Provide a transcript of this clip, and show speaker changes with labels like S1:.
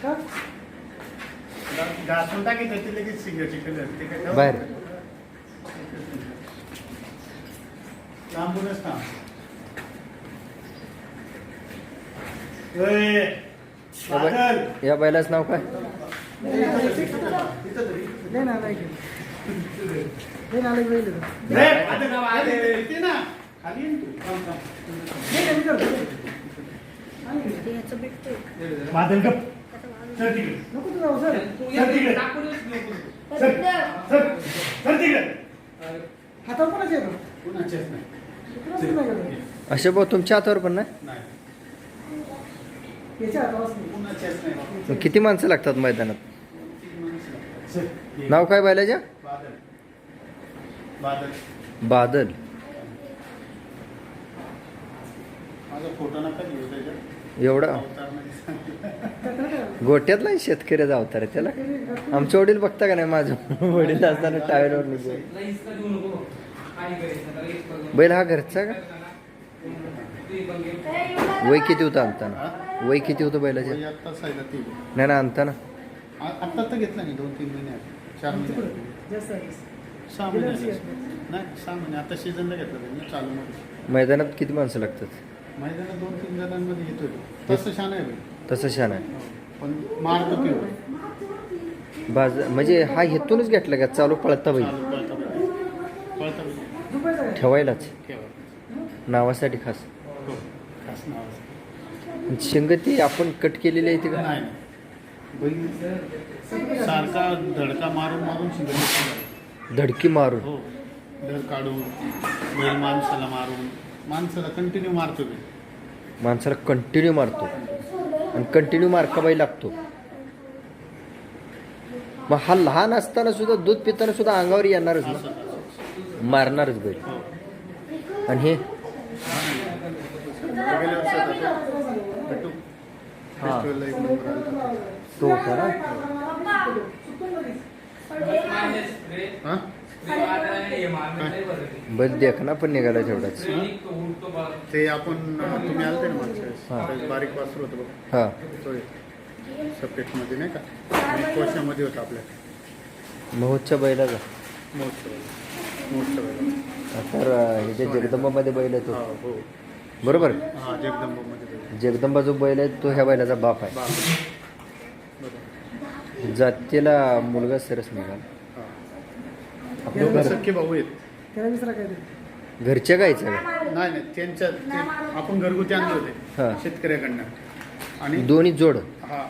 S1: घासून टाकायचं ते लगेच सिगरेट कलर
S2: बाहेर
S1: लांबूनच थांब.
S2: या बैलाच नाव काय?
S1: बादल गप सर तिकडे सर तिकडे सर तिकडे
S3: हातावर कोणाचे येतो?
S1: कुणाचेच नाही.
S3: कुणाचेच नाही का?
S2: असे भाऊ तुमच्या हातावर पण नाही?
S1: नाही
S3: याच्या हातावरच नाही.
S1: कुणाचेच नाही.
S2: मग किती माणसं लागतात मैदानात?
S1: सर,
S2: नाव काय बैलाच्या?
S1: बादल बादल
S2: बादल.
S1: माझा फोटो नका घेऊ त्याच्यात.
S2: एवढा
S1: अवतार नाही सांगितलं.
S2: गोट्यातला शेतकऱ्याचा अवतार आहे त्याला. आमचे वडील बघता का नाही? माझं वडील असताना टायरवर निघून. बैल हा घरचा का? वय किती होतं आणताना? वय किती होतं बैलाचे?
S1: वय आत्ताच आहे ना ती.
S2: नाही ना आणताना
S1: आत्ता तर घेतला नाही 2-3 महिने आले. 4 महिने आले.
S3: जास्त आहे.
S1: 6 महिने आले. नाही 6 महिने आता सीझनला घेतलं त्यांनी चालू मध्ये.
S2: मैदानात किती माणसं लागतात?
S1: मैदानात 2-3 जणांमध्ये घेतोय. तसं छान आहे बैल.
S2: तसं छान आहे.
S1: पण मारतो की
S2: बाज म्हणजे हा हेतूनच घेतला का? चालू पळता बैल
S1: चालू पळता बैल. पळता बैल.
S3: दुपारचं आहे.
S2: ठेवायलाच
S1: ठेवा.
S2: नावासाठी खास.
S1: हो. खास नाव आहे.
S2: शिंगती आपण कट केलेली आहे ती का?
S1: नाही बैल सारखा धडका मारून मारून शिंगडी.
S2: धडकी मारून.
S1: हो. धड काढून बैल माणसाला मारून माणसाला कंटिन्यू मारतो बैल.
S2: माणसाला कंटिन्यू मारतो आणि कंटिन्यू मार्काबाई लागतो. मग हा लहान असताना सुद्धा दूध पिताना सुद्धा अंगावर येणारच
S1: असं
S2: ना, मारणारच बैल.
S1: हो.
S2: आणि हे
S1: गेल्या वर्षात आता भेटू.
S2: हा.
S1: फेस्टिवलला एक नंबर आला होता.
S2: तो होता ना.
S1: हा?
S2: बैल देखना पण निघाला तेवढाच.
S1: ते आपण तुम्ही आलते ना मागच्या
S2: हा.
S1: वेळेस. बारीक वासरू होतं बघा.
S2: हा
S1: तो सब्जेक्टमध्ये नाही का आणि कोशामध्ये होता आपल्या
S2: महोत्सव बैलाचा.
S1: मोठं बैल.
S2: तर ह्याच्या जगदंबामध्ये बैल आहे
S1: हा
S2: तो,
S1: हो.
S2: बरोबर.
S1: हा जगदंबामध्ये बैल.
S2: जगदंबा जो बैल आहे तो ह्या बैलाचा बाप आहे.
S1: बरोबर.
S2: जातीला मुलगा सरस निघाला.
S1: हा.
S2: आपलं
S1: दोघं
S2: घर
S1: सख्खे भाऊ आहेत.
S3: त्याला विसरा काय ते.
S2: घरच्या गायचं का?
S1: नाही नाही त्यांच्या आपण घरगुती आणले
S2: हा.
S1: होते शेतकऱ्याकडनं आणि
S2: दोन्ही जोड.
S1: हा